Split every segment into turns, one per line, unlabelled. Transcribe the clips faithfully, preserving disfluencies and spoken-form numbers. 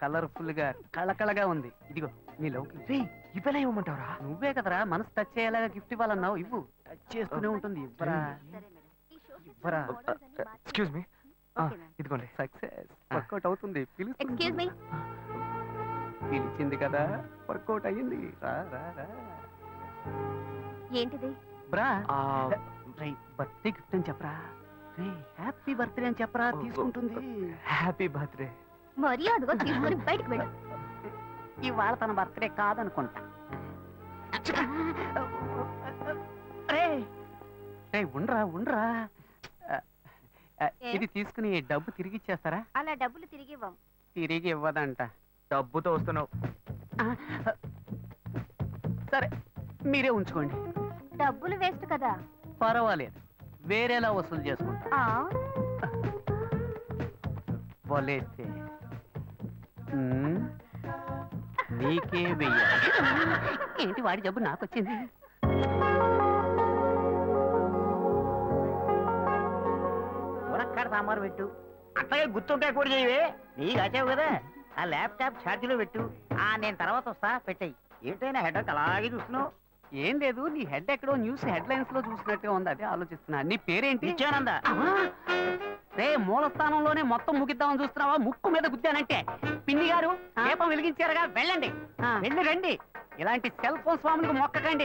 Colourful గా కళకళగా ఉంది. ఇదిగో నీ లవ్కి
ఇవ్వలే ఇవ్వమంటావరా?
నువ్వే కదరా మనసు టచ్ అయ్యేలాగా గిఫ్ట్ ఇవ్వాలన్నావు. ఇవ్వు. టచ్ చేస్తూనే ఉంటుంది. ఇవ్వరా ఇవ్వరా.
ఎక్స్క్యూజ్ మీ, ఇదిగోండి.
సక్సెస్. వర్కౌట్ అవుతుంది.
Excuse me.
పిలిచింది కదా, వర్కౌట్ అయ్యింది. రా రా రా.
ఏంటిది?
బ్రా బర్త్డే గిఫ్ట్ అని చెప్పరా. రే హ్యాపీ బర్త్డే అని చెప్పరా, తీసుకుంటుంది.
Happy birthday.
మర్యాదగా తీసుకొని బయటకు వెళ్ళు.
ఇవాళ తన బర్త్డే కాదనుకుంటా. రే రే ఉండ్రా ఉండ్రా. ఇది తీసుకుని డబ్బు తిరిగి ఇచ్చేస్తారా?
అలా డబ్బులు తిరిగి ఇవ్వం.
తిరిగి ఇవ్వదంట.
డబ్బుతో వస్తున్నావు.
సరే మీరే ఉంచుకోండి.
డబ్బులు వేస్ట్ కదా.
పర్వాలేదు, వేరేలా వసూలు చేసుకుంటా. వలేస్తే నీకే వెయ్యాలి. ఏంటి వాడి జబ్బు నాకు వచ్చింది? మునక్కాడ సాంబారు పెట్టు. అట్లాగే గుర్తుంటాయి కూడా చేయవే. నీకు వచ్చావు కదా, ఆ ల్యాప్టాప్ ఛార్జీలో పెట్టు. ఆ నేను తర్వాత వస్తా, పెట్టాయి. ఏంటైనా హెడ్ అలాగే చూస్తున్నావు? ఏం లేదు, నీ హెడ్ ఎక్కడో న్యూస్ హెడ్ లైన్స్ లో చూసినట్టుగా ఉంది, అదే ఆలోచిస్తున్నా. నీ పేరేంటి? నిత్యానంద. రే మూల స్థానంలోనే మొత్తం ముగిద్దామని చూస్తున్నావా? ముక్కు మీద గుద్దానంటే. పిన్ని గారు దీపం వెలిగించారుగా, వెళ్ళండి. వెళ్ళి రండి. ఇలాంటి సెల్ ఫోన్ స్వాములకు మొక్కకండి.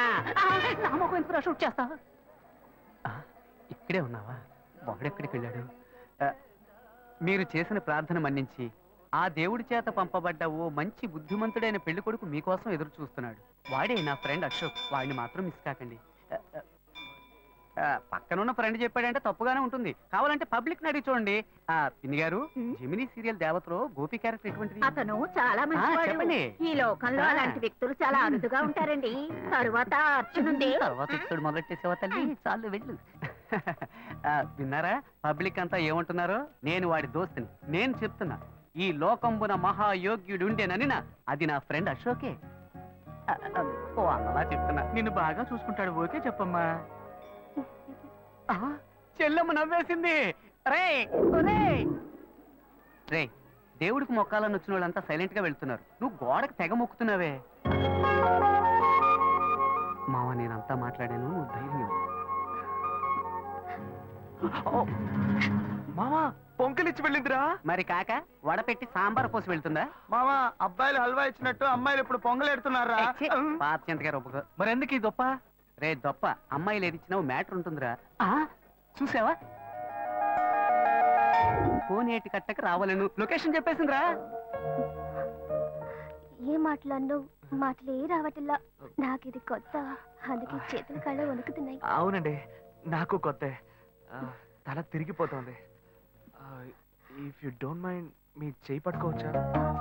షూట్ చేస్తా. ఇక్కడే ఉన్నావా? వాడెక్కడికి వెళ్ళాడు? మీరు చేసిన ప్రార్థన మన్నించి ఆ దేవుడి చేత పంపబడ్డ ఓ మంచి బుద్ధిమంతుడైన పెళ్లి కొడుకు మీకోసం ఎదురు చూస్తున్నాడు. వాడే నా ఫ్రెండ్ అశోక్. వాడిని మాత్రం మిస్ కాకండి. పక్కనున్న ఫ్రెండ్ చెప్పాడంటే తప్పుగానే ఉంటుంది. కావాలంటే పబ్లిక్ అడిగి చూడండి. ఆ పిన్ని గారు, జెమినీ సీరియల్ దేవతలో గోపి క్యారెక్టర్ ఎటువంటిది?
అతను చాలా మంచి. ఈ లోకంలో అలాంటి వ్యక్తులు చాలా అరుదుగా ఉంటారండి. తరువాత అర్చనుంది.
తర్వాత ఇక్కడ మొదలెట్టేసేవా తల్లి? చాలు వెళ్ళు. విన్నారా పబ్లిక్ అంతా ఏమంటున్నారో? నేను వాడి దోస్తుని. నేను చెప్తున్నా, ఈ లోకంబున మహాయోగ్యుడుండేనని నా అది నా ఫ్రెండ్ అశోకే. ఓ అలా చెప్తున్నా. నిన్ను బాగా చూసుకుంటాడు. ఓకే చెప్పమ్మా. చెల్లెమ్మ నవ్వేసింది. రే రే దేవుడికి మొక్కాలని వచ్చిన వాళ్ళంతా సైలెంట్ గా వెళ్తున్నారు. నువ్వు గోడకు తెగ మొక్కుతున్నావే. మావ నేనంతా మాట్లాడాను, నువ్వు ధైర్యం.
మామా పొంకలిచ్చి వెళ్ళిందిరా.
మరి కాక వడపెట్టి సాంబార్ పోసి వెళ్తుందా?
మామా అబ్బాయిలు హల్వా ఇచ్చినట్టు అమ్మాయిలు ఇప్పుడు పొంగలెడుతున్నారా?
పాత చింతగారు ఒప్పుకో. మరి ఎందుకు ఈ దొప్ప? రే దొప్ప, అమ్మాయిలు ఏది ఇచ్చినావు మ్యాటర్ ఉంటుందిరా. చూసావా? కోనేటి కట్టకు రావాలను లొకేషన్ చెప్పేసిందిరా.
ఏ మాట్లాడినో మాటలే రావట్లా. నాకు ఇది కొత్త, అందుకే చేతుల కళ్ళ వణుకుతున్నాయి.
అవునండి, నాకు కొత్త. తల తిరిగిపోతుంది. ఇఫ్ యు డోంట్ మైండ్ మీ చేయి పట్టుకోవచ్చా?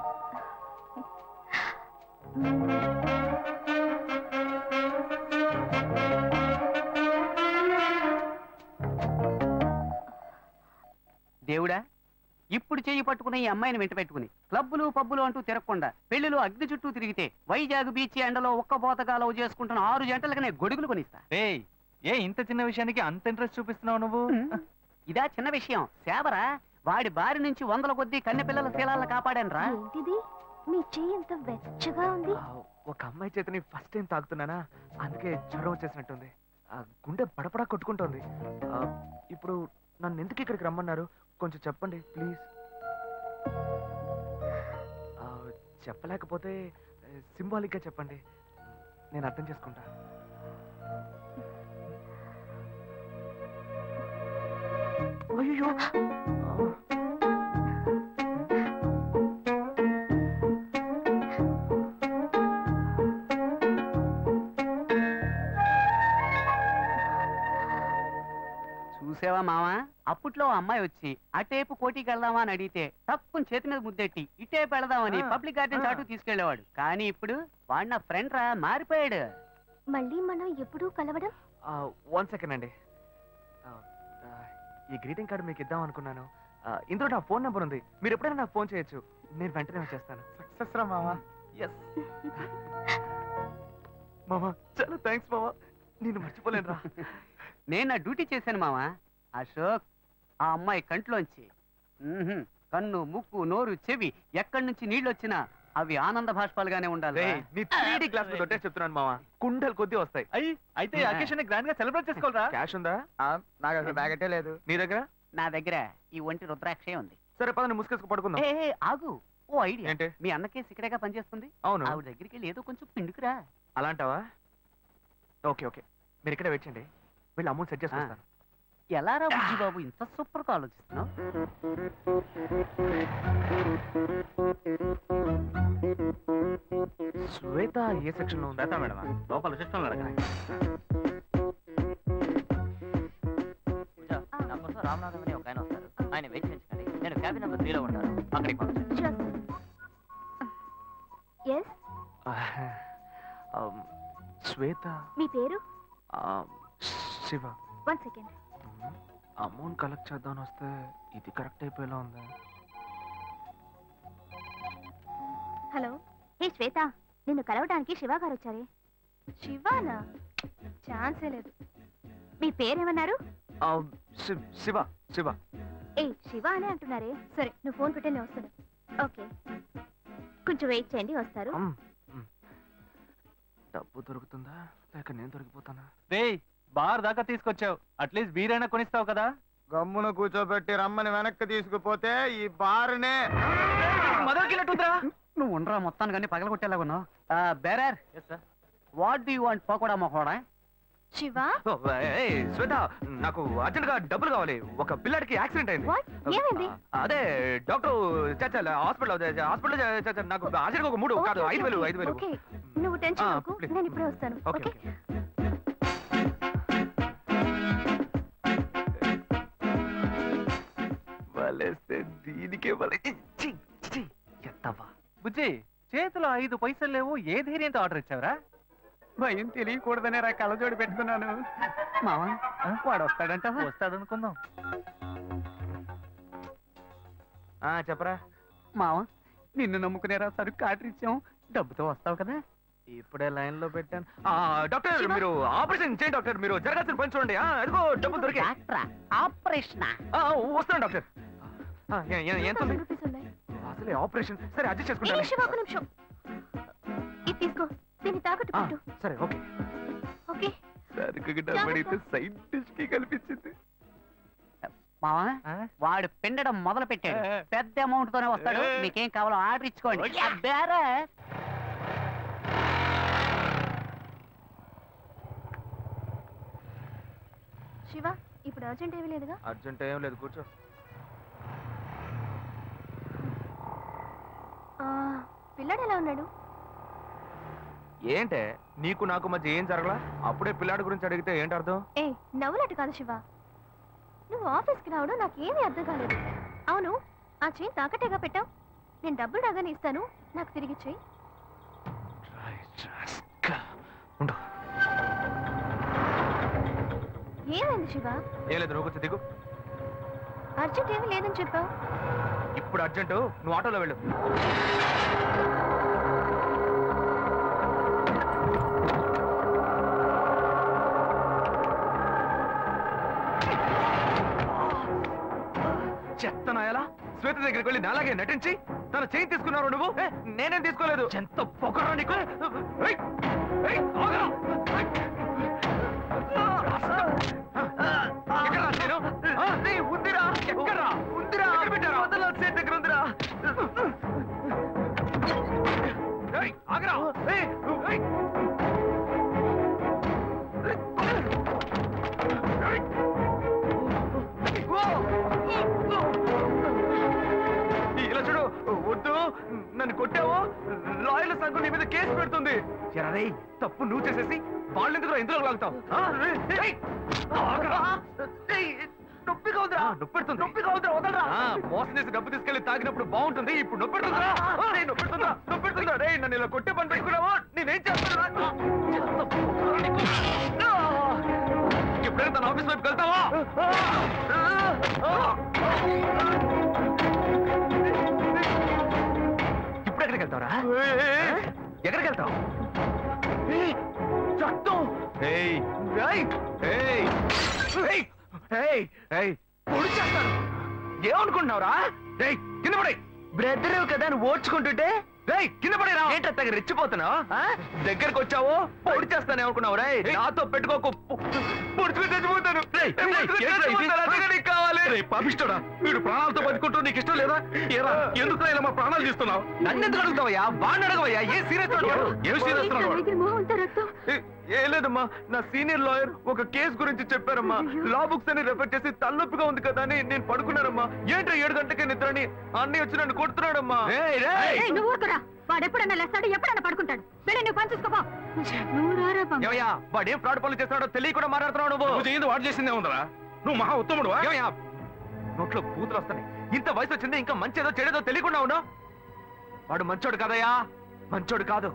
దేవుడా, ఇప్పుడు చెయ్యి పట్టుకున్న ఈ అమ్మాయిని వెంట పెట్టుకుని క్లబ్బులు పబ్బులు అంటూ తిరగకుండా పెళ్లిలో అగ్ని చుట్టూ తిరిగితే వైజాగ్ బీచ్ ఎండలో ఒక్క పోతగా లవ్ చేసుకుంటున్న ఆరు జంటలకనే గొడుగులు కొనిస్తా.
ఏ ఇంత చిన్న విషయానికి అంత ఇంట్రెస్ట్ చూపిస్తున్నావు నువ్వు?
ఇదా చిన్న విషయం? సేవరా. వాడి బారి నుంచి వందల కొద్దీ కన్నె పిల్లల శీలాలను కాపాడాను రా.
మీ చెయ్యి ఎంత వెచ్చగా ఉంది.
ఒక అమ్మాయి చేతిని ఫస్ట్ టైం తాకుతున్నానా, అందుకే జ్వరం వచ్చేసినట్టుంది. గుండె పడపడా కొట్టుకుంటోంది. ఇప్పుడు నన్ను ఎందుకు ఇక్కడికి రమ్మన్నారు? కొంచెం చెప్పండి ప్లీజ్. చెప్పలేకపోతే సింబాలిక్ గా చెప్పండి, నేను అర్థం చేసుకుంటా. అయ్యో
చూసావా మావా, అప్పట్లో అమ్మాయి వచ్చి అటేపు కోటికి వెళ్దామా అని అడిగితే తక్కువ చేతి మీద ముద్దెట్టి ఇటేపు వెళదామని పబ్లిక్ గార్డెన్ చాటు తీసుకెళ్లేవాడు. కానీ ఇప్పుడు వాడు నా ఫ్రెండ్ రా, మారిపోయాడు.
మళ్ళీ మనం ఎప్పుడు కలవడం?
వన్ సెకండ్ అండి, ఈ గ్రీటింగ్ కార్డు మీకు ఇద్దాం అనుకున్నాను. ఇందులో నా ఫోన్ నెంబర్ ఉంది, మీరు ఎప్పుడైనా నాకు ఫోన్ చేయొచ్చు, నేను వెంటనే వచ్చేస్తాను. సక్సెస్ రా మామా. ఎస్ మామా, చాలా థ్యాంక్స్ మామా, నేను మర్చిపోలేను రా.
నేను నా డ్యూటీ చేశాను మావా. అశోక్, ఆ అమ్మాయి కంట్లోంచి
కన్ను ముక్కు నోరు చెవి ఎక్కడి నుంచి నీళ్ళు వచ్చినా అవి ఆనంద భాష్పాలుగానే ఉండాలి.
రేయ్, నీ త్రీ డీ గ్లాస్ తోటే చెప్తున్నాను మావా, కుండలు కొద్ది వస్తాయి.
అయ్యి అయితే అకేషన్ గ్రాండ్ గా సెలబ్రేట్ చేసుకోవాలరా?
క్యాష్ ఉందా?
నాకు అసలు బ్యాగెటే లేదు.
నీ దగ్గర?
నా దగ్గర ఈ ఒంటి రుద్రాక్షే ఉంది.
సరే పదని ముసుకేసుకు పడుకుందాం.
ఏ ఏ, ఆగు, ఓ ఐడియా.
ఏంటి?
మీ అన్నకేసి ఇక్కడేగా పనిచేస్తుంది,
అవును.
ఆవిడ దగ్గరికి వెళ్ళి ఏదో కొంచెం పిండుకురా.
అలాంటావా? ఓకే ఓకే, మీరు ఇక్కడే వెయిట్ చేయండి, వీళ్ళు అమౌంట్ సెట్ చేసుకుంటాను.
ఎలా రా బుజ్జి బాబు ఇంత సూపర్ గా ఆలోచిస్తున్నావు?
శ్వేత ఏ సెక్షన్ లో ఉందా మేడం?
లోపల సిస్టమ్
నా కోసం రామనాథం అని ఒక ఆయన వస్తారు, ఆయన వెయిట్ చేయించండి. నేను క్యాబిన్ నెంబర్ త్రీలో ఉంటాను, అక్కడికి పంపించండి.
ఎస్,
శ్వేత.
మీ పేరు?
Shiva.
One second.
Amount collect చేద్దామని వస్తే ఇది కరెక్ట్ అయిపోయేలా ఉంది.
హలో, హే శ్వేత, నిన్ను కలవడానికి శివ గారు వచ్చారే. శివానా? ఛాన్సే లేదు. మీ పేరేమన్నారు?
ఆ, శి- శివ శివ.
ఏ శివ అనే అంటున్నారే. సరే, నువ్వు ఫోన్ పెట్టే నేను వస్తాను. ఓకే, కొంచెం వెయిట్ చేయండి, వస్తారు.
అమ్, మ్. డబ్బు దొరుకుతుందా లేక నేను దొరికిపోతానా?
రేయ్, బార్ దాకా తీసుకొచ్చావు, అట్లీస్ట్ బీరైనా కొనిస్తావు కదా?
గమ్మున కూర్చోబెట్టి రమ్మని వెనక్కి తీసుకుపోతే ఈ బారునే
మొదలుకెళ్ళట్టుందిరా.
నువ్వు ఉండరా మొత్తాన్ని కానీ పగలగొట్టేలాగా ఉన్నావు. Bearer, what do you want pakoda మొహోడా?
శివ,
ఓ, ఏయ్, శ్వేత, నాకు అర్జెంట్ గా డబ్బులు కావాలి. ఒక పిల్లాడికి యాక్సిడెంట్ అయింది.
What? ఏమైంది?
అదే డాక్టర్ చచ్చాలి హాస్పిటల్ హాస్పిటల్ చచ్చా. నాకు అర్జెంట్ గా ఒక మూడు కాదు ఐదు వేలు ఐదు వేలు.
ఓకే, నువ్వు టెన్షన్
ఆ,
అవ్వకు,
please.
నేను ఇప్పుడే వస్తాను.
Okay
okay,
okay. వలేస్తే దీనికే వలే. ఛీ, ఛీ, ఎత్తవా.
బుజ్జి, చేతిలో ఐదు పైసలు లేవు, ఏ ధైర్యంతో ఆర్డర్ ఇచ్చావరా?
భయం తెలియకూడదనే రా కళ్ళజోడు పెట్టుకున్నాను. మావా, వాడు వస్తాడంట.
వస్తాడనుకుందాం.
ఆ, చెప్పరా.
మావా, నిన్ను నమ్ముకునేరా సరుకు ఆర్డర్ ఇచ్చాం, డబ్బుతో వస్తావు కదా?
ఇప్పుడే లైన్ లో పెట్టాను. ఆ, డాక్టర్
శివ.
మీరు ఆపరేషన్ చేయండి డాక్టర్. మీరు జరగాల్సిన పని చూడండి. ఆ, అదిగో డబ్బులు దొరికాయి.
డాక్టరా? ఆపరేషనా?
ఆ, వస్తాను డాక్టర్. ఆ, ఎ- ఎ- ఎంత ఉంది?
రూపీస్ ఉన్నాయి.
అసలే ఆపరేషన్. సరే అడ్జస్ట్
ఏ
చేసుకుంటాను.
శివ, ఒక నిమిషం. ఇది తీసుకో, దీన్ని తాకట్టు
ఆ,
పెట్టు.
సరే ఓకే.
ఓకే,
సరుకు డబ్బడితే సైడ్ డిష్ కి కల్పించింది.
మావా,
ఆ?
వాడు పిండడం మొదలు పెట్టాడు. పెద్ద అమౌంట్ తోనే వస్తాడు. మీకేం కావాలో ఆర్డర్ ఇచ్చుకోండి. ఆ, బేరర్.
శివ, ఇప్పుడు అర్జెంట్ ఏమీ లేదుగా?
అర్జెంట్ ఏం లేదు, కూర్చో.
ఆ, పిల్లాడు ఎలా ఉన్నాడు?
ఏంటే నీకు నాకు మధ్య ఏం జరగలా? అప్పుడే పిల్లాడి గురించి అడిగితే ఏంటి అర్థం?
ఏ నవ్వులట్టు కాదు శివ, నువ్వు ఆఫీస్కి రావడం నాకేమీ అర్థం కాలేదు. అవును, ఆ చైన్ తాకట్టేగా పెట్టావు. నేను డబ్బులు రాగానే ఇస్తాను, నాకు తిరిగి చెయ్యి.
ఉండు.
ఏమైంది శివ?
ఏం లేదు, నువ్వు కూర్చో, దిగు.
అర్జెంట్ ఏమీ లేదని చెప్పావు.
ఇప్పుడు అర్జెంటు, నువ్వు ఆటోలో వెళ్ళు. చెత్తనాయలా శ్వేత దగ్గరికి వెళ్ళి నాలాగే నటించి తన చేయి తీసుకున్నారు నువ్వు. ఏ, నేనేం తీసుకోలేదు. ఎంత పొగరా నీకు. ఏయ్, ఏయ్, ఆగరా. ఎక్కడ్రా నేను? ఆ, నీ ఉందిరా. ఎక్కడ్రా? ఉందిరా. ఎక్కడ పెట్టారా? వదలా, చేతి దగ్గర ఉందిరా. ఏయ్, ఆగరా. ఏయ్, ఏయ్. ఏయ్. ఇలా చూడు, వద్దు, నన్ను కొట్టావు, లాయర్ల సంఘం నీ మీద కేసు పెడుతుంది. ఎరా తప్పు నువ్వు చేసేసి వాళ్ళు ఎందుకు ఇందులో లాగుతావు? నొప్పిగా ఉందిరా. నొప్పి పెడుతుంది. నొప్పిగా ఉందిరా, వదలరా. మోసం చేసి డబ్బు తీసుకెళ్లి తాగినప్పుడు బాగుంటుంది, ఇప్పుడు నొప్పి పెడుతుందా? రేయ్, నొప్పి పెడుతుందా? నొప్పి పెడుతుందా? రే నన్ను ఇలా కొట్టే పని పెట్టుకున్నావా? నేనేం చేస్తాను? ఎప్పుడైనా తన ఆఫీస్ వైపు వెళ్తావా? ఇప్పుడు ఎక్కడికి వెళ్తావరా? ఎక్కడికి వెళ్తావు? చట్టం. ఏయ్, ఏయ్, ఏయ్, ఏయ్, ఏయ్, ఏయ్, పొడి చేస్తాను. ఏమనుకుంటున్నావురా?
రేయ్ కింద పడే.
బ్రదర్ కదా నువ్వు ఓడ్చుకుంటుంటే
రేయ్ కింద పడేరా.
ఏంటో తగ్గ రెచ్చిపోతున్నావు? దగ్గరకు వచ్చావు పొడి చేస్తానే అనుకున్నావు రే. నాతో పెట్టుకోకు, పొడుచుకుని చచ్చిపోతాను.
రేయ్, రేయ్, ఏంట్రా ఇది?
అందుకే నీకు కావాలి.
రేయ్ పాపిష్టోడా, వీడు ప్రాణాలతో బతుకుంటూ నీకు ఇష్టం లేదా? ఏరా ఎందుకు ఇలా మా ప్రాణాలు తీస్తున్నావు?
నన్ను ఎందుకు అడుగుతావయ్యా? బాగా అడగవయ్యా. ఏ సీరియస్
ఏం సీరియస్తున్నాడు వాడు?
ఏ లేదమ్మా, నా సీనియర్ లాయర్ ఒక కేసు గురించి చెప్పారమ్మా. లా బుక్స్ అని రెఫర్ చేసి తలనొప్పిగా ఉంది కదా అని నేను పడుకున్నానమ్మా. ఏంట్రా ఏడు గంటకే నిద్రని అన్నీ వచ్చి నన్ను కొడుతున్నాడమ్మా.
నువ్వు ఊరుకురా. వాడు ఎప్పుడన్నా లేస్తాడు, ఎప్పుడన్నా పడుకుంటాడు. వెళ్ళి నువ్వు పని చూసుకోపో. నువ్వు రారా బాబు.
ఏమయ్యా వాడు ఏం ఫ్రాడ్ పనులు చేస్తున్నాడో తెలియకుండా మాట్లాడుతున్నావు నువ్వు.
నువ్వు చేయింది వాడు చేసిందే ఉందరా. నువ్వు మహా ఉత్తముడు.
ఏమయ్యా నోట్లో కూతురు వస్తాయి. ఇంత వయసు వచ్చింది ఇంకా మంచేదో చెడేదో తెలియకుండా ఉన్నావు. వాడు మంచోడు కాదయ్యా, మంచోడు కాదు.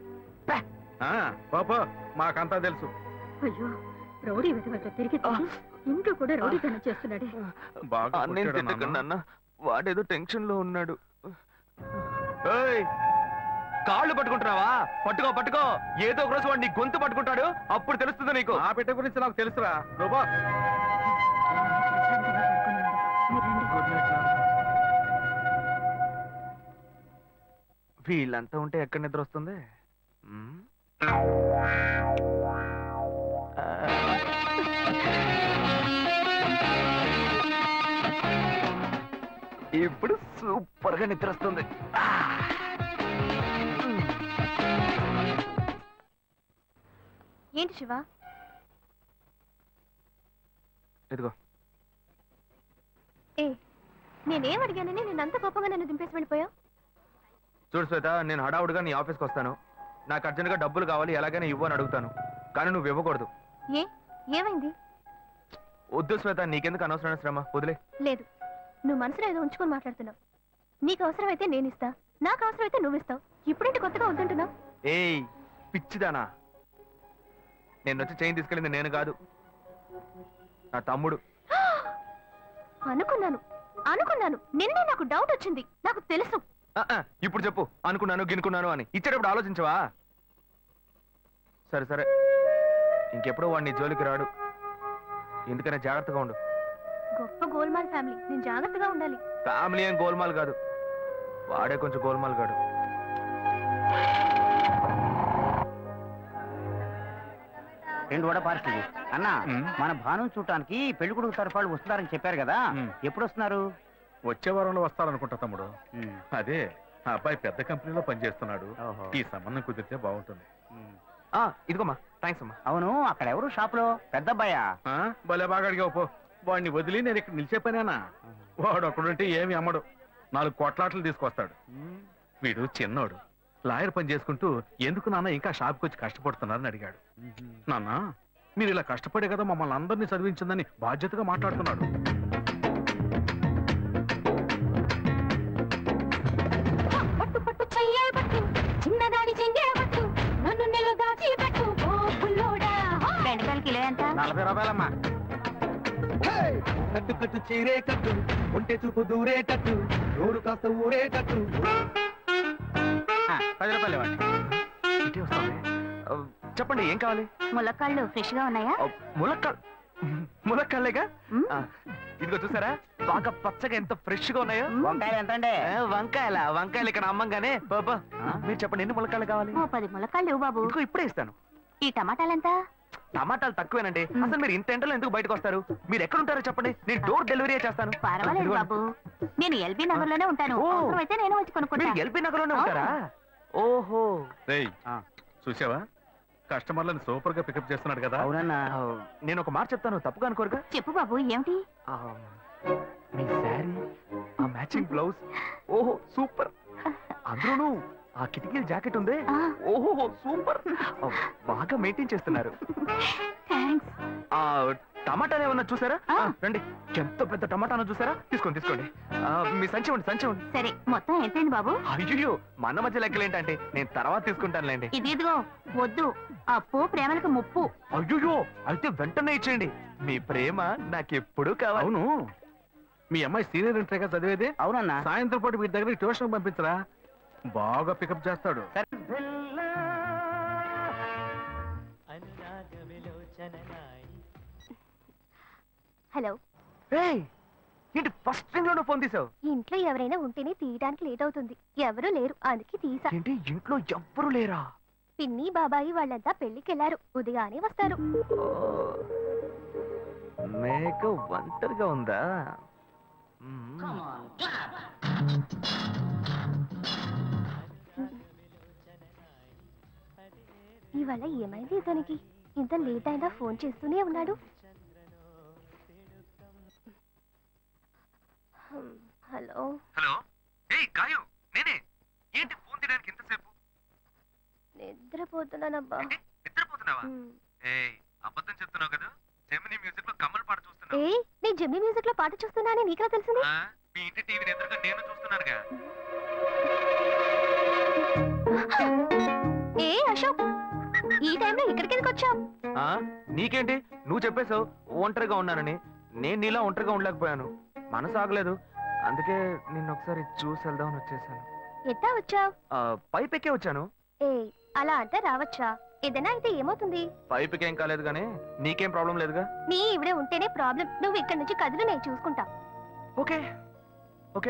పాప మాకంతా తెలుసు.
అయ్యో, రౌడీ వెతవట తిరిగి తిరిగి ఇంట్లో కూడా రౌడీతనం చేస్తున్నాడే.
బాగా
నేను
కొట్టాడు నాన్న.
తిట్టకండి అన్న, వాడేదో టెన్షన్ లో ఉన్నాడు. ఏయ్, కాళ్ళు పట్టుకుంటున్నావా? పట్టుకో పట్టుకో. ఏదో ఒక రోజు వాడు నీ గొంతు పట్టుకుంటాడు, అప్పుడు తెలుస్తుంది నీకు.
ఆ బిడ్డ గురించి నాకు తెలుసురా. Roopa
good night. వీళ్ళంతా ఉంటే ఎక్కడ నిద్ర వస్తుంది? మ్మ్? ఇప్పుడు సూపర్ గా నిద్ర వస్తుంది.
ఏంటి శివ?
ఇదిగో.
ఏ, నేనేం అడిగానని నేను అంత కోపంగా నన్ను దింపేసి వెళ్ళిపోయావు?
చూడు శ్వేత, నేను హడావుడిగా నీ ఆఫీస్కి వస్తాను. నాకు అర్జెంట్గా డబ్బులు కావాలి, ఎలాగైనా ఇవ్వు అని అడుగుతాను. కానీ నువ్వు ఇవ్వకూడదు.
ఏ, ఏమైంది?
వద్దు శ్వేత, నీకెందుకు అనవసరమైన శ్రమ, వదిలే.
లేదు, నువ్వు మనసులో ఏదో ఉంచుకొని మాట్లాడుతున్నావు. నీకు అవసరమైతే నేను ఇస్తా, నాకు అవసరమైతే నువ్వు ఇస్తావు. ఇప్పుడేంటి కొత్తగా వద్దంటున్నావు?
ఏయ్ పిచ్చిదానా, నేను వచ్చి చైన్ తీసుకెళ్ళింది నేను కాదు, నా తమ్ముడు.
అనుకున్నాను అనుకున్నాను నిన్నే నాకు డౌట్ వచ్చింది. నాకు తెలుసు.
ఆ, ఆ, ఇప్పుడు చెప్పు, అనుకున్నాను గినుకున్నాను అని. ఇచ్చేటప్పుడు ఆలోచించవా? సరే సరే, ఇంకెప్పుడు వాడిని జోలికి రాడు. ఎందుకనే జాగ్రత్తగా ఉండు.
గొప్ప గోల్మాల్ ఫ్యామిలీ, నేను జాగ్రత్తగా ఉండాలి.
ఫ్యామిలీ ఏం గోల్మాల్ కాదు, వాడే కొంచెం గోల్మాల్ కాడు.
రెండు వడ పార్సల్ అన్నా. మన భాను చూడటానికి పెళ్లి కొడుకు తరఫు వాళ్ళు వస్తున్నారని చెప్పారు కదా, ఎప్పుడు వస్తున్నారు?
వచ్చే వారంలో వస్తారనుకుంటా తమ్ముడు. అదే ఆ అబ్బాయి పెద్ద కంపెనీలో పనిచేస్తున్నాడు. ఈ సంబంధం కుదిరితే బాగుంటుంది.
ఆ, ఇదిగోమ్మా, థ్యాంక్స్ అమ్మా.
అవును, అక్కడ ఎవరు షాప్ లో? పెద్ద అబ్బాయా?
ఆ, భలే బాగా అడిగావు పో. వాడిని వదిలి నేను ఇక్కడ నిలిచే పనేనా? వాడు అక్కడుంటే ఏమి అమ్మడు, నాలుగు కొట్లాట్లు తీసుకొస్తాడు. వీడు చిన్నోడు, లాయర్ పని చేసుకుంటూ ఎందుకు నాన్న ఇంకా షాప్కి వచ్చి కష్టపడుతున్నారని అడిగాడు. నాన్న, మీరు ఇలా కష్టపడే కదా మమ్మల్ని అందరినీ చదివించిందని బాధ్యతగా మాట్లాడుతున్నాడు.
పట్టు పట్టు చెయ్యే పట్టు, చిన్నదాని చెంగే పట్టు, నన్ను నెల దాచి పెట్టు ఓ పుల్లోడా. బెండకాయలు కిలో ఎంత?
నలభై రూపాయలమ్మా.
కట్టు కట్టు చీరే కట్టు, ఒంటె చూపు దూరే కట్టు, నోరు కాస్త ఊరే కట్టు.
పది రూపాయలు ఇవ్వండి.
ఇటే వస్తాను. ఆ, చెప్పండి ఏం కావాలి?
ములక్కాళ్ళు ఫ్రెష్ గా ఉన్నాయా?
ఆ, ములక్కాల్ ములక్కాళ్ళేగా. ఆ, ఇదిగో చూసారా, బాగా పచ్చగా ఎంత ఫ్రెష్ గా ఉన్నాయో.
వంకాయలు ఎంత అండి?
ఆ, వంకాయల వంకాయలు ఇక్కడ అమ్మంగానే. బాబా మీరు చెప్పండి, ఎన్ని ములక్కాళ్ళు కావాలి?
ఓ పది ములక్కాళ్ళు ఇవ్వు బాబు.
ఇదిగో ఇప్పుడే ఇస్తాను.
ఈ టమాటాలెంత?
టమాటాలు తక్కువేనండి. అసలు మీరు ఇంత ఎండలో ఎందుకు బయటకు వస్తారు? మీరు ఎక్కడ ఉంటారో చెప్పండి, నేను డోర్ డెలివరీ చేస్తాను.
పర్వాలేదు బాబు, నేను ఎల్బీ నగర్ లోనే ఉంటాను.
ఓ.
అవసరమైతే నేను వచ్చి కొనుక్కుంటా.
మీరు ఎల్బీ నగర్ లోనే ఉంటారా? ఓహో,
రేయ్, చూసావా కస్టమర్లను సూపర్ గా పికప్ చేస్తున్నాడు కదా.
అవునన్నా.
ఆ, నేను ఒక మాట చెప్తాను, తప్పుగా అనుకోరుగా?
చెప్పు బాబు, ఏమిటి?
ఆ, మీ శారీ, ఆ మ్యాచింగ్ బ్లౌజ్, ఓహో సూపర్. అందులోనూ ఆ కిటికీల జాకెట్ ఉంది,
ఆ.
ఓహో సూపర్. ఆ, బాగా మెయింటైన్ చేస్తున్నారు.
థాంక్స్.
ఆ టమాటాలు ఏమన్నా చూసారా?
ఆ.
ఆ, రండి, ఎంత పెద్ద టమాటాను చూసారా? తీసుకోండి తీసుకోండి. ఆ, మీ సంచి ఉండి సంచి ఉండి.
సరే, మొత్తం ఎంతైంది బాబు?
అయ్యో, మన మధ్య లెక్కలేంటంటే, నేను తర్వాత తీసుకుంటానులేండి.
ఇది ఇదిగో, వద్దు. అప్పు ప్రేమలకు ముప్పు.
అయ్యో, అయితే వెంటనే ఇచ్చేయండి. మీ ప్రేమ నాకెప్పుడు కావాలి.
అవును, మీ అమ్మాయి సీనియర్ ఇంటర్గా చదివేది.
అవునన్నా.
సాయంత్రం పాటు వీటి దగ్గర ట్యూషన్ పంపించరా, బాగా పికప్ చేస్తాడు.
హలో.
ఏయ్, ఏంటి ఫస్ట్ రింగ్ లోనే ఫోన్ తీసావు?
ఇంట్లో ఎవరైనా ఉంటేనే తీయడానికి లేట్ అవుతుంది. ఎవరూ లేరు, అందుకే తీసా.
ఏంటి ఇంట్లో ఎవ్వరు లేరా?
పిన్ని బాబాయి వాళ్ళంతా పెళ్లికి వెళ్ళారు, ఉదయానే వస్తారు.
మేక ఒంటరిగా ఉందా? మ్మ్.
ఇవాళ ఏమైంది ఇతనికి? ఇంత లేట్ అయినా ఫోన్ చేస్తూనే ఉన్నాడు. హ్మ్, హలో
హలో. ఏయ్ గాయు, నేనే. ఏంటి ఫోన్ తీయడానికి ఎంతసేపు?
నిద్రపోతున్నానబ్బా.
ఏంటి, నిద్రపోతున్నావా?
హ్మ్.
ఏయ్ అబద్ధం చెప్తున్నావు కదా. జెమిని మ్యూజిక్ లో కమల్ పాట చూస్తున్నావు.
ఏ నేను జమ్మి మ్యూజిక్ లో పాట చూస్తున్నానని నీకెలా తెలిసింది?
ఆ, మీ ఇంటి టీవీని ఎదురుగా నేను చూస్తున్నానుగా.
ఏ అశోక్, ఈ టైంలో ఇక్కడికి ఎందుకు వచ్చావు?
ఆ, నీకేంటి, నువ్వు చెప్పేశావు ఒంటరిగా ఉన్నానని. నేను నీలా ఒంటరిగా ఉండలేకపోయాను, మనసు ఆగలేదు. అందుకే నిన్ను ఒకసారి చూసి వెళ్దామని వచ్చేసాను.
ఎట్టా వచ్చావు?
పైపెక్కే వచ్చాను.
ఏ అలా అంటే రావచ్చా? ఏదైనా అయితే ఏమవుతుంది?
పైపుకి ఏం కాలేదు కానీ నీకేం ప్రాబ్లం లేదుగా.
నీ ఇవిడే ఉంటేనే ప్రాబ్లం. నువ్వు ఇక్కడ నుంచి కదులు, నేను చూసుకుంటా.
Okay okay,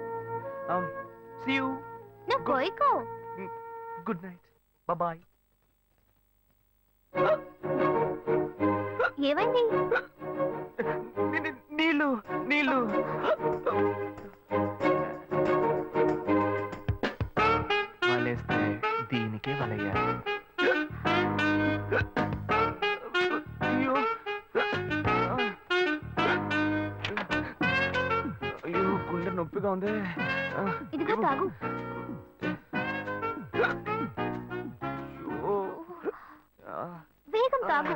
see you.
నువ్వు కోయికో.
Good night, bye.
ఏమైంది?
నీళ్ళు నీళ్ళు. వలేస్తే దీనికే వలయ్యారు. అయ్యో అయ్యో, గుండె నొప్పిగా ఉంది.
ఇదిగో తాగు.
అయ్యో.
వేగం తాగు.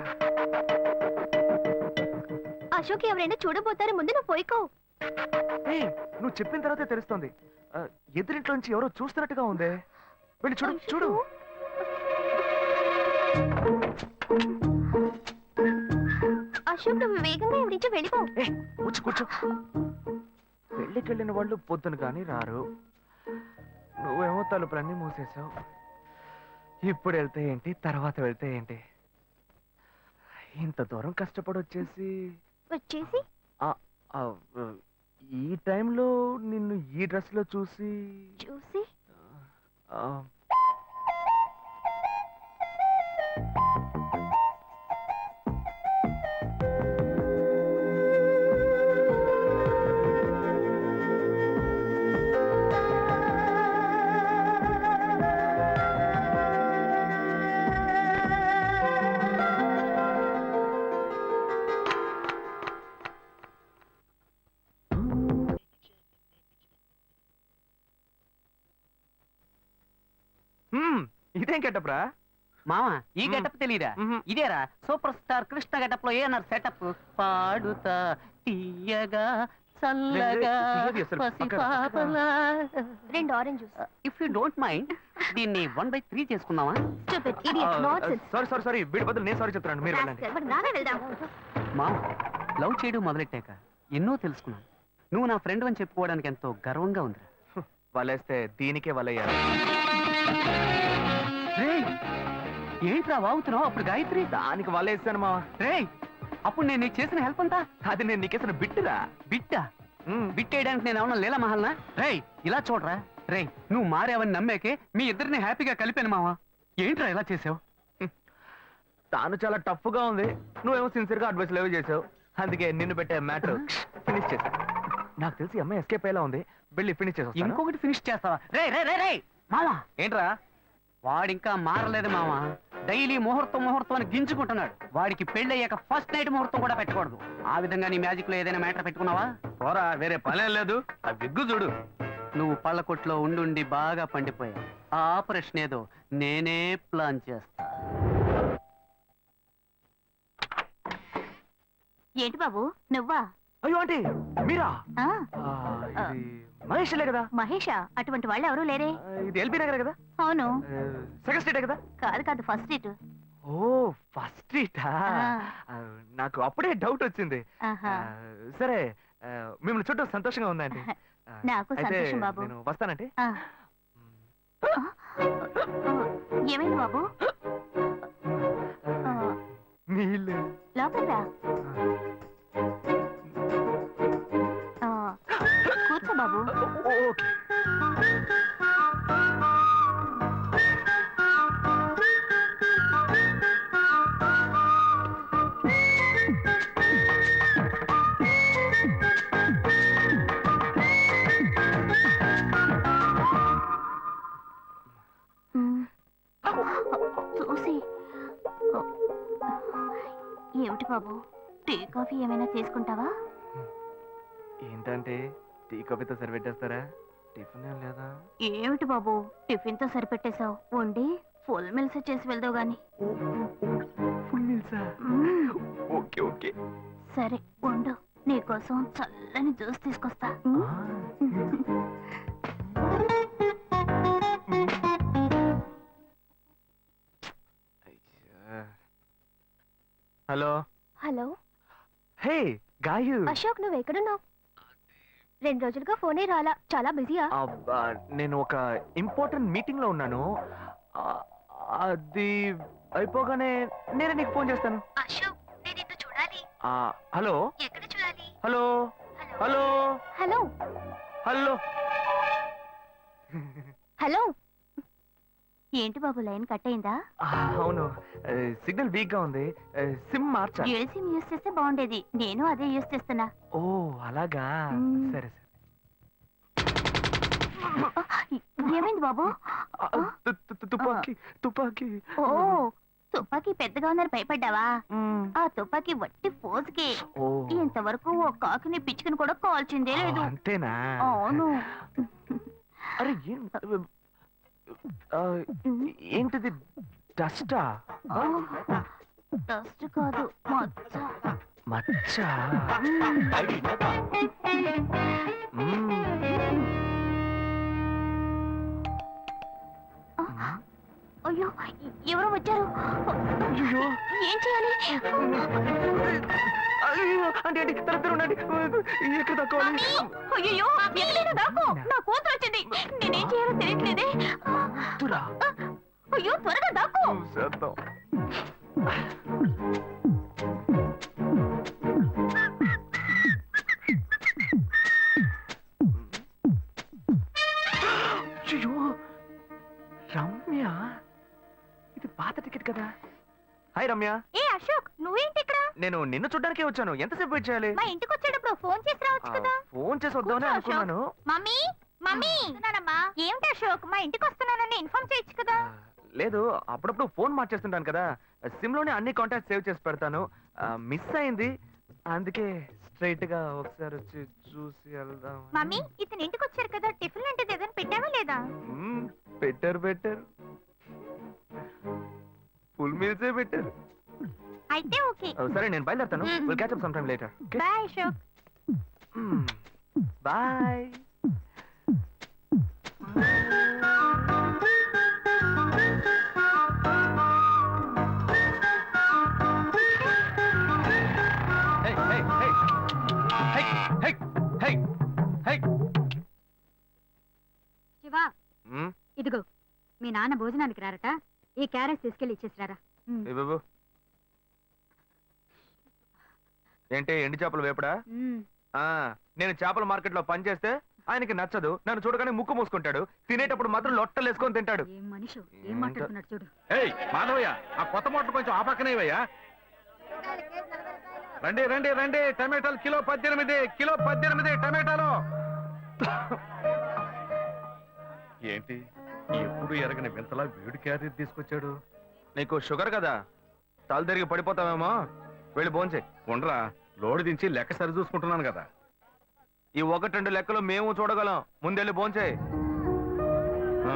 అశోక్ ఎవరైనా చూడబోతారు, ముందు నువ్వు పోయికో.
ఏయ్, నువ్వు చెప్పిన తర్వాతే తెలుస్తోంది. ఆ, ఎదురింట్లో నుంచి ఎవరో చూస్తున్నట్టుగా ఉంది. వెళ్ళి చూడు చూడు.
అశోక్ నువ్వు వేగంగా ఇవి నుంచి వెళ్ళిపో.
ఏ కూర్చో కూర్చో. పెళ్ళికి వెళ్ళిన వాళ్ళు పొద్దున కానీ రారు. నువ్వేమో తలుపులన్నీ మూసేశావు. ఇప్పుడు వెళ్తే ఏంటి, తర్వాత వెళ్తే ఏంటి? ఇంత దూరం కష్టపడి వచ్చేసి
వచ్చేసి
ఆ, ఆ, ఈ టైంలో నిన్ను ఈ డ్రెస్ లో చూసి
చూసి
ఆ, హ్మ్, ఇదేం గెటప్రా?
మామ ఈ
మ్మ్.
గెటప్ తెలీదా?
మ్మ్.
ఇదేరా సూపర్ స్టార్ కృష్ణ గెటప్ లో ఏనారు సెటప్. పాడుతా తీయగా చల్లగా
తీయది అసలు.
పసి
పక్కన,
పాపలా.
రెండు orange juice.
If you don't mind దీన్ని వన్ బై త్రీ చేసుకుందామా?
Stupid idiot nonsense.
Sorry sorry sorry, వీడి బదులు నేను సారీ చెప్తున్నాను. మీరు వెళ్ళండి.
మరి నానే వెళ్దాం.
మామ లవ్ చేయడం మొదలెట్టాక ఎన్నో తెలుసుకున్నాను. నువ్వు నా ఫ్రెండ్ అని చెప్పుకోవడానికి ఎంతో గర్వంగా ఉంది.
వలేస్తే దీనికే వలయ్యారు.
ఏంట్రా వాగుతున్నావు? అప్పుడు గాయత్రి
దానికి వలేసాను మా.
రేయ్, అప్పుడు నేను నీకు చేసిన హెల్ప్ అంతా
అది నేను నీకేసిన బిట్టురా.
బిట్టా బిట్టేయడానికి నేను ఏమన్నా లేలా మహల్నా? రేయ్ ఇలా చూడరా. రేయ్ నువ్వు మారావని నమ్మేకే మీ ఇద్దరిని హ్యాపీగా కలిపాను మావా. ఏంట్రా ఇలా చేసావు?
తాను చాలా టఫ్ గా ఉంది, నువ్వేమో సిన్సియర్ గా అడ్వైస్ లేవు చేసావు. అందుకే నిన్ను పెట్టే మ్యాటర్ ఫినిష్ చేశా. నాకు తెలిసి అమ్మాయి ఎస్కేప్ అయ్యేలా ఉంది, వెళ్ళి ఫినిష్ చేసా.
ఇంకొకటి ఫినిష్ చేస్తావా? రే రే రే రే మావా,
ఏంట్రా?
వాడింకా మారలేదు మావా. డైలీ ముహూర్తం ముహూర్తం అని గింజుకుంటున్నాడు. వాడికి పెళ్ళయ్యాక ఫస్ట్ నైట్ ముహూర్తం కూడా పెట్టకూడదు. ఆ విధంగా నీ మ్యాజిక్ లో ఏదైనా మ్యాటర్ పెట్టుకున్నావా?
పోరా, వేరే పనేం లేదు. ఆ విగ్గు చూడు.
నువ్వు పళ్ళ కొట్లో ఉండుండి బాగా పండిపోయావు. ఆ ఆపరేషన్ ఏదో నేనే ప్లాన్ చేస్తా.
ఏంటి బాబు నువ్వా?
అయ్యో ఆంటీ, మీరా?
ఆ,
ఆ, ఇది మహేష్లే కదా?
మహేషా? అటువంటి వాళ్ళు ఎవరు లేరే.
ఆ, ఇది ఎల్బీ నగర్ కదా?
అవును.
సెకండ్ స్ట్రీటే కదా?
కాదు కాదు, ఫస్ట్ స్ట్రీట్.
ఓ ఫస్ట్ స్ట్రీటా?
ఆ.
నాకు అప్పుడే డౌట్ వచ్చింది.
ఆహా.
ఆ, సరే, ఆ, మిమ్మల్ని చూడటం సంతోషంగా ఉందండి. ఆ,
నాకు
అయితే
సంతోషం బాబు.
నేను వస్తానంటే.
ఆ. ఏమైంది బాబు? ఆ,
నీళ్ళు.
లోపలికి రా. ఆ, చూసి ఏమిటి బాబు, టీ కాఫీ ఏమైనా తీసుకుంటావా?
ఏంటంటే టీ కాఫీతో సరిపెట్టేస్తారా? టిఫిన్ ఏం లేదా?
ఏమిటి బాబు టిఫిన్ తో సరిపెట్టేశావు, వండి ఫుల్ మిల్స్ చేసి వెళ్దావు గాని.
ఫుల్ మీల్సా?
మ్మ్.
Okay okay.
సరే వండు, నీకోసం చల్లని జ్యూస్ తీసుకొస్తా.
Hello.
Hello
hey Gayu.
Ashok, నువ్వు ఎక్కడున్నావు? రెండు రోజులుగా ఫోనే రాలా, చాలా బిజీయా?
అబ్బా, నేను ఒక ఇంపార్టెంట్ మీటింగ్ లో ఉన్నాను. ఆ, అది అయిపోగానే నేను నీకు ఫోన్ చేస్తాను.
అశోక్, నేను నిన్ను చూడాలి.
ఆ, హలో.
ఎక్కడ చూడాలి?
Hello hello
hello
hello.
Hello. ఏంటి బాబు, లైన్ కట్ అయిందా?
ఆ, అవును, సిగ్నల్ వీక్ గా ఉంది. సిమ్ మార్చా.
డ్యూయల్ సిమ్ యూస్ చేస్తే బాగుండేది, నేను అదే యూస్ చేస్తున్నా.
ఓ అలాగా.
మ్మ్.
సరే సరే.
ఏమైంది బాబు?
ఆ, తు- తు- తు- తుపాకీ తుపాకీ.
ఓ తుపాకీ పెద్దగా ఉందని భయపడ్డావా?
మ్మ్.
ఆ తుపాకీ వట్టి ఫోజుకే.
ఓ
ఇంతవరకు ఓ కాకిని పిచ్చుకుని కూడా కాల్చిందే లేదు.
అంతేనా?
అవును.
అరే ఏం ఆ, ఏంటిది? డస్టా?
డస్ట్ కాదు, మచ్చ.
మచ్చ. మ్మ్.
అయ్యో, ఎవరో వచ్చారు.
అయ్యో.
ఏం చేయాలి?
అయ్యో, అంటే అంటే తర తర ఉండండి. ఎక్కడ తక్కువాలి?
అయ్యో, ఎక్కడైనా దాక్కో, నా కూతురు వచ్చింది. నేనేం చేయాలో తెలియట్లేదే.
తురా.
అయ్యో, త్వరగా దాక్కో.
చేద్దాం. అయ్యో, రమ్య, ఇది పాత టికెట్ కదా. హాయ్ రమ్య.
ఏ అశోక్, నువ్వేంటి ఇక్కడ?
నేను నిన్ను చూడ్డానికే వచ్చాను. ఎంతసేపు వెయిట్ చేయాలి?
మా ఇంటికి వచ్చేటప్పుడు ఫోన్ చేసి రావచ్చు కదా.
ఆ, ఫోన్ చేసి వద్దామని
కూర్చో,
అనుకున్నాను.
మమ్మీ మమ్మీ వస్తున్నానమ్మా. ఏమిటి అశోక్, మా ఇంటికి వస్తున్నానని ఇన్ఫార్మ్ చేయొచ్చు కదా.
ఆ, లేదు, అప్పుడప్పుడు ఫోన్ మార్చేస్తుంటాను కదా. సిమ్ లోనే అన్ని కాంటాక్ట్ సేవ్ చేసి పెడతాను. మిస్ అయింది, అందుకే స్ట్రైట్ గా ఒకసారి వచ్చి చూసి వెళ్దాం.
మమ్మీ, ఇతను ఇంటికి వచ్చారు కదా, టిఫిన్ లాంటిది ఏదైనా పెట్టావా లేదా?
బెటర్ బెటర్ ఫుల్ మీల్సే బెటర్.
అయితే ఓకే.
సరే, నేను బయలుదేరుతాను.
మ్మ్.
Will catch up some time later.
Bye Ashok.
Bye.
Shiva, ఇదిగో మీ నాన్న భోజనానికి రారట, ఈ క్యారెట్ తీసుకెళ్లి ఇచ్చేసిరారా.
ఏంటి ఎండి చేపలు వేపడా?
ఉమ్.
ఆ, నేను చేపల మార్కెట్ లో పనిచేస్తే ఆయనకి నచ్చదు. నన్ను చూడగానే ముక్కు మూసుకుంటాడు. తినేటప్పుడు మాత్రం లొట్టలు వేసుకొని తింటాడు.
ఏం మనిషి, ఏం మాట్లాడుతున్నాడు చూడు.
ఏయ్ మాధవయ్య, ఆ కొత్త మోటార్ కొంచెం ఆ పక్కనే ఇవ్వయ్యా. రండి రండి రండి, టమాటాలు కిలో పద్దెనిమిది, కిలో పద్దెనిమిది టమాటాలు. ఏంటి ఎప్పుడు ఎరగని వింతలా వేడి క్యారీ తీసుకొచ్చాడు?
నీకు షుగర్ కదా, తల తిరిగి పడిపోతావేమో. వెళ్ళి భోంచే.
ఉండరా, లోడు దించి లెక్క సరి చూసుకుంటున్నాను కదా.
ఈ ఒకటి రెండు లెక్కలు మేము చూడగలం. ముందెళ్ళి భోంచే.
ఆ.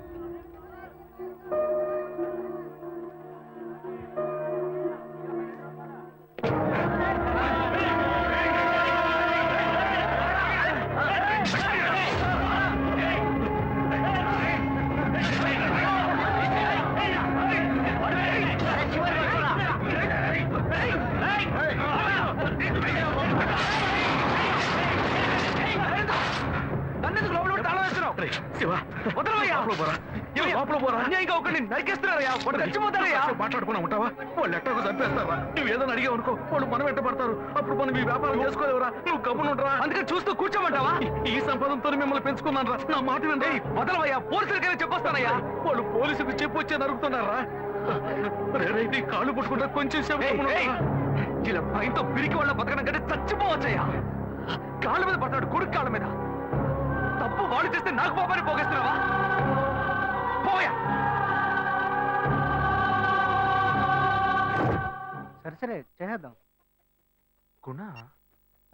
నన్నెందుకు లోపల పెట్టి తాళం వేస్తున్నావు?
రేయ్, శివ,
వదలవయ్యా.
లోపల పోరా.
ఏమయ్యా?
లోపల పోరా.
అన్యాయంగా ఒకరిని నరికేస్తున్నారయ్యా. వాడు చచ్చిపోతారయ్యా.
కాసేపు మాట్లాడుకున్నా ఉంటావా? వాళ్ళు ఎట్టకు చంపేస్తావా? నువ్వు ఏదైనా అడిగావు అనుకో, వాళ్ళు మనం వెంట పడతారు. అప్పుడు మనం ఈ వ్యాపారం చేసుకోలేవురా. నువ్వు గమ్మునుండరా.
అందుకని చూస్తూ కూర్చోమంటావా?
ఈ సంపదంతో మిమ్మల్ని పెంచుకున్నాను రా. నా మాట వినండి.
వదలవయ్యా. పోలీసులకైనా చెప్పొస్తానయ్యా.
వాళ్ళు పోలీసుకు చెప్పి వచ్చే నరుకుతున్నారా? నీ కాళ్ళు పుట్టుకుంటా కొంచెం సేపు
ఏయ్,
గమ్మున
ఏయ్.
ఉండరా?
ఇలా భయంతో పిరికి వాళ్ళ బతకడం కంటే చచ్చిపోవచ్చయ్యా. కాళ్ళ మీద పడతాడు, కొడుకు కాళ్ళ మీద. తప్పు వాడు చేస్తే నాకు పాపాన్ని పోగేస్తున్నావా? పోయా.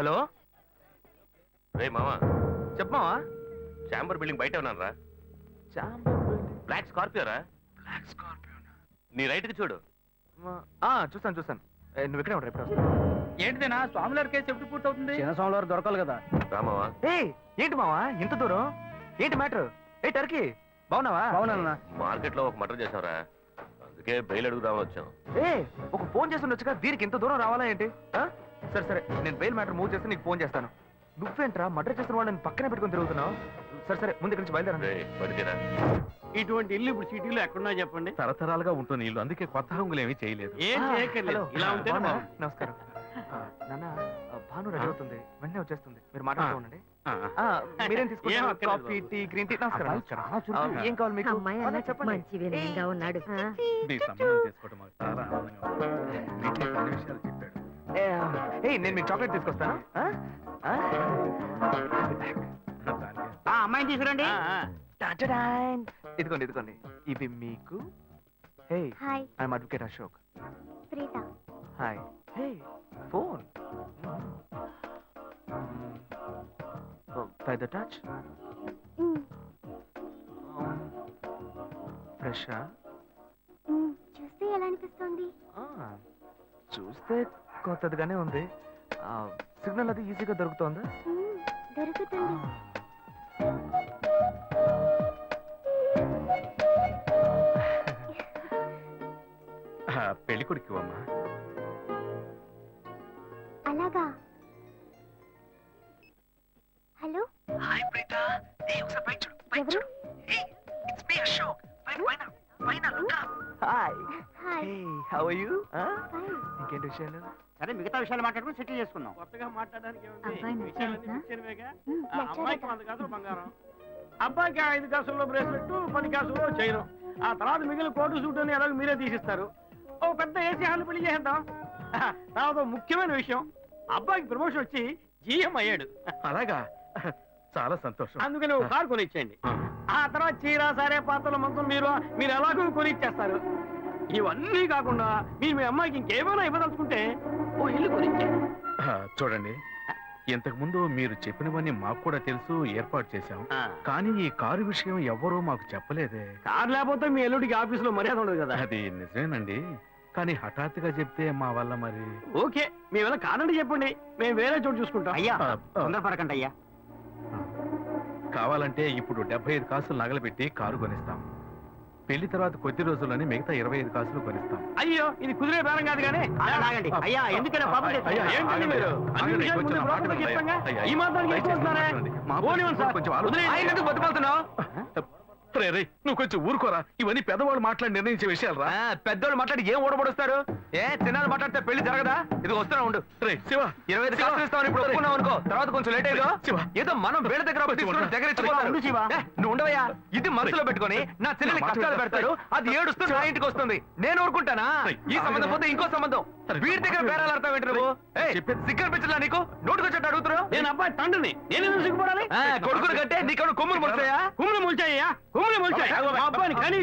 హలో
రే మామా,
చెప్పమావా
చాంబర్ బిల్డింగ్ బయట ఉన్నాను రా. బ్లాక్ స్కార్పియో రా.
బ్లాక్ స్కార్పియో
నీ రైట్ కి చూడు.
చూస్తాను చూస్తాను ఏ, నువ్వు ఇక్కడే ఉంటావు ఎప్పుడు వస్తావు?
ఏంటిదేనా స్వామివారి కేసు ఎప్పుడు పూర్తవుతుంది?
చిన్న స్వామివారు దొరకాలి కదా.
రా మావా.
ఏయ్ ఏంటి మావా ఇంత దూరం? ఏంటి మ్యాటర్? ఏ టర్కీ బాగున్నావా?
అవునన్నా.
మార్కెట్ లో ఒక మర్డర్ చేసాంరా, అందుకే బెయిల్ అడుగుదామని వచ్చాం.
ఏ ఒక ఫోన్ చేసి ఉండొచ్చుగా, దీనికి ఇంత దూరం రావాలా ఏంటి? ఆ? సరే సరే నేను బెయిల్ మ్యాటర్ మూవ్ చేస్తే నీకు ఫోన్ చేస్తాను. నువ్వేంట్రా మర్డర్ చేస్తున్న వాళ్ళని పక్కనే పెట్టుకుని తిరుగుతున్నావు? సరే సరే ముందు ఇక్కడి నుంచి బయలుదేరా.
రే పడితేరా.
ఇటువంటి ఇల్లు ఇప్పుడు సిటీలో ఎక్కడున్నా చెప్పండి.
తరతరాలుగా ఉంటుంది ఇల్లు, అందుకే కొత్త హంగులు ఏమీ చేయలేదు.
ఏం
ఆ,
చేయక్కర్లేదు,
హలో.
ఇలా ఉంటేనే
బాగున్నా?
బాగుంది.
నమస్కారం ఆ, నాన్న ఆ, భాను రెడీ అవుతుంది, వెంటనే వచ్చేస్తుంది, మీరు మాట్లాడుతూ ఉండండి.
ఆ,
ఆ, మీరేం
ఏం
తీసుకుంటారు?
అక్కర్లేదు
కాఫీ
బాబు.
Tea green tea? నమస్కారం నమస్కారం. ఆ, ఏం కావాలి మీకు?
అమ్మాయి
ఆ,
అన్న
చెప్పండి.
మంచి వినయంగా ఉన్నాడు.
మీ సంబంధం చేసుకోవడం మాకు చాలా ఆనందంగా ఉంది. మీకే కొన్ని విషయాలు చెప్పాడు.
ఏ, ఏయ్, నేను మీకు చాక్లెట్ తీసుకొస్తాను. ఆ? ఆ?
ఆ అమ్మాయిని తీసుకురండి.
ఆ, ఆ.
టాటాడాన్. ఇదిగోండి ఇదిగోండి ఇవి మీకు. Hey
hi
I'm advocate Ashok.
Preetha.
Hi. Hey phone. By the touch.
మ్,
ఫ్రెషా?
మ్, చూస్తే ఎలా అనిపిస్తుంది?
చూస్తే కొత్తదిగానే ఉంది. సిగ్నల్ అది ఈజీగా దొరుకుతోందా?
మ్, దొరుకుతుంది.
ఆ, పెళ్లి కొడుకు అమ్మా.
అలాగా. Hello
hi ప్రీత. ఏ ఒకసారి పైకి చూడు, పైకి
ఎవరు?
చూడు. Hey it's me Ashok. పైన పైన పైన look up. Hi.
Hi.
Hey how are you?
Fine.
ఇంకేంటి విషయాలు?
సరే మిగతా విషయాలు మాట్లాడుకుని సెటిల్ చేసుకుందాం.
కొత్తగా మాట్లాడడానికి ఏముంది?
అబ్బాయి
విషయాలన్నీ
నచ్చాడా?
నిశ్చయమేగా.
మ్,
ఆ అమ్మాయికి
నచ్చాడట.
వంద కాసులు బంగారం, అబ్బాయికి ఐదు కాసుల్లో బ్రేస్లెట్, పది కాసుల్లో చైన్. ఆ తర్వాత మిగిలిన కోటు సూట్ అని ఎలాగో మీరే తీసిస్తారు. ఓ పెద్ద ఏసీ హాల్ పెళ్లి చేద్దాం. తర్వాత ఓ ముఖ్యమైన విషయం, అబ్బాయికి ప్రమోషన్ వచ్చి జీఎం అయ్యాడు.
అలాగా, చాలా సంతోషం.
అందుకని ఒక కారు కొనిచ్చేయండి.
ఆ,
ఆ తర్వాత చీర సారే పాత్రల మొత్తం మీరు మీరు ఎలాగో కొనిచ్చేస్తారు. ఇవన్నీ కాకుండా మీరు మీ అమ్మాయికి ఇంకేమైనా ఇవ్వదలుచుకుంటే ఓ ఇల్లు కొనిచ్చేయండి.
ఆ, చూడండి, ఇంతకు ముందు మీరు చెప్పినవన్నీ మాకు కూడా తెలుసు, ఏర్పాటు చేశాం. కానీ ఈ కారు విషయం ఎవ్వరూ మాకు చెప్పలేదే.
కారు లేకపోతే మీ ఎల్లుడికి ఆఫీసులో మర్యాద ఉండదు కదా.
అది నిజమేనండి, కానీ హఠాత్తుగా చెప్తే మా వల్ల మరి.
ఓకే, మేము ఎలా కాదండి చెప్పండి, మేము వేరే చోటు చూసుకుంటాం.
అయ్యా
ఆ, ఆ,
తొందరపడకండి అయ్యా.
కావాలంటే ఇప్పుడు డెబ్బై ఐదు కాసులు నగలబెట్టి కారు కొనిస్తాం. పెళ్లి తర్వాత కొద్ది రోజుల్లోనే మిగతా ఇరవై ఐదు కాసులు కొనిస్తాం.
అయ్యో, ఇది కుదిరే బేరం కాదు కానీ
ఆగండి, ఆగండి. అయ్యా ఎందుకైనా పాపం
అయ్యా,
చేస్తున్నారు?
ఏంటండి మీరు? అన్ని
ఆగండి,
విషయాలు
కొంచెం
ముందు
నా మాట
బ్రోకర్కి
వినండి.
చెప్తాంగా?
అయ్యా,
ఈ మాత్రానికి
దయచేసి
ఎక్కువ
నా
వస్తున్నారే?
మాట వినండి. మా
పోనివ్వండి సార్.
కొంచెం ఆలోచించండి.
వదిలేయండి.
ఆయన ఎందుకు బతుకుతున్నావు?
రే, రే, నువ్వు కొంచెం ఊరుకోరా, ఇవన్నీ పెద్దవాళ్ళు మాట్లాడి నిర్ణయించే విషయాలు రా.
పెద్దోళ్ళు మాట్లాడి ఏం ఓడబడుస్తారు? ఏ చిన్నాళ్ళు మాట్లాడితే పెళ్లి జరగదా? ఇది వస్తున్నా ఉండు.
రే శివ,
ఇరవై ఐదు కాసులు ఇస్తామని ఇప్పుడు ఒప్పుకున్నావు అనుకో, తర్వాత కొంచెం లేట్ అయ్యో.
శివ.
ఏదో మనం వేళ దగ్గర అప్పు తీసుకుని దగ్గర ఇచ్చిపోతారు.
ఉండు శివ.
ఏ, నువ్వు ఉండవయ్యా. ఇది మనసులో పెట్టుకొని నా చెల్లెని
నా మాట
కష్టాలు
విను.
పెడతాడు, అది ఏడుస్తూ నా ఇంటికి వస్తుంది, నేను ఊరుకుంటానా? ఈ సంబంధం పోతే ఇంకో సంబంధం. వీడి దగ్గర బేరాలు ఆడతావు ఏంటి నువ్వు?
చెప్పేది-
సిగ్గర్ పిచ్చలా నీకు? నోటుకొచ్చేట్టు అడుగుతున్నావు?
నేను అబ్బాయి తండ్రిని, నేను ఎందుకు సిగ్గుపడాలి?
కొడుకులు కంటే నీకు కొమ్ములు ముడతాయా?
కుమ్ములు ముల్చాయ్యా, కుమ్ములు ముల్చాయి. మా అబ్బాయిని కానీ